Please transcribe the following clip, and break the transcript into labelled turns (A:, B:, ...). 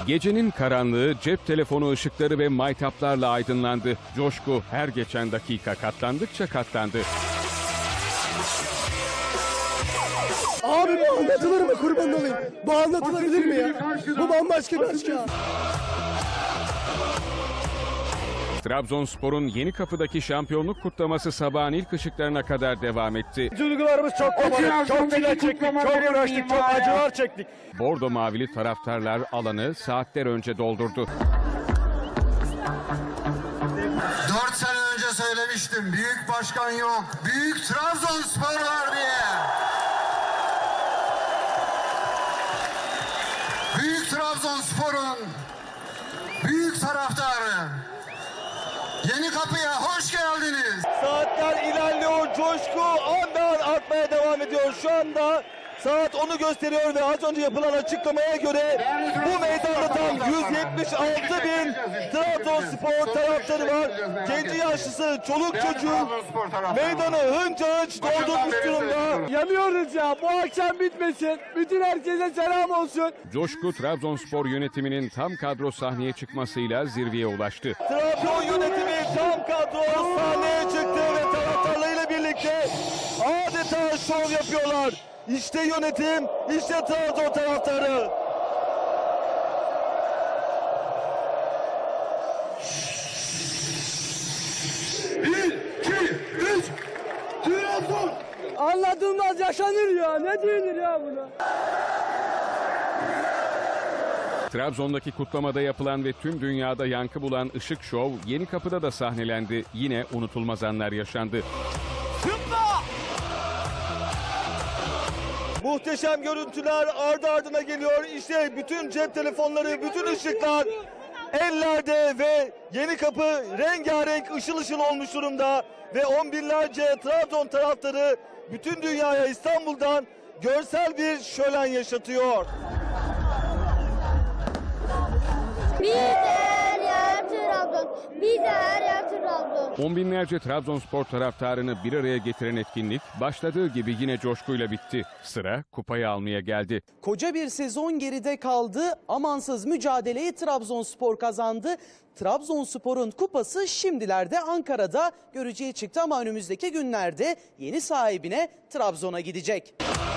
A: Gecenin karanlığı cep telefonu ışıkları ve maytaplarla aydınlandı. Coşku her geçen dakika katlandıkça katlandı.
B: Abi bu anlatılır mı, kurban olayım? Bu anlatılabilir mi ya? Bu bambaşka bir aşk ya.
A: Trabzonspor'un Yenikapı'daki şampiyonluk kutlaması sabahın ilk ışıklarına kadar devam etti.
B: Duygularımız çok kabarık, çok çile çektik, çok uğraştık, çok acılar çektik.
A: Bordo mavili taraftarlar alanı saatler önce doldurdu.
C: 4 sene önce söylemiştim, büyük başkan yok, büyük Trabzonspor var diye. Büyük Trabzonspor'un büyük taraftarı. Yenikapı'ya hoş geldiniz.
B: Saatler ilerliyor, coşku andan artmaya devam ediyor. Şu anda saat 10'u gösteriyor ve az önce yapılan açıklamaya göre bu meydanda tam 176.000 Trabzonspor taraftarı var. Genci yaşlısı, çoluk çocuğu meydanı hınca hınç doldurmuş durumda. Yanıyoruz ya, bu akşam bitmesin. Bütün herkese selam olsun.
A: Coşku Trabzonspor yönetiminin tam kadro sahneye çıkmasıyla zirveye ulaştı.
B: Trabzon yönetimi tam kadro sahneye çıktı ve taraftarlarıyla birlikte adeta şov yapıyorlar. İşte yönetim, işte Trabzon taraftarı. Bir, iki, üç, Trabzon! Anladığımız yaşanır ya, ne denir ya buna?
A: Trabzon'daki kutlamada yapılan ve tüm dünyada yankı bulan ışık şov Yenikapı'da da sahnelendi. Yine unutulmaz anlar yaşandı.
B: Muhteşem görüntüler ardı ardına geliyor. İşte bütün cep telefonları, bütün ışıklar ellerde ve Yenikapı rengarenk ışıl ışıl olmuş durumda. Ve on binlerce Trabzon taraftarı bütün dünyaya İstanbul'dan görsel bir şölen yaşatıyor.
D: Bir de her yer Trabzon. Bir de her yer Trabzon.
A: On binlerce Trabzonspor taraftarını bir araya getiren etkinlik başladığı gibi yine coşkuyla bitti. Sıra kupayı almaya geldi.
E: Koca bir sezon geride kaldı. Amansız mücadeleyi Trabzonspor kazandı. Trabzonspor'un kupası şimdilerde Ankara'da görücüye çıktı ama önümüzdeki günlerde yeni sahibine Trabzon'a gidecek.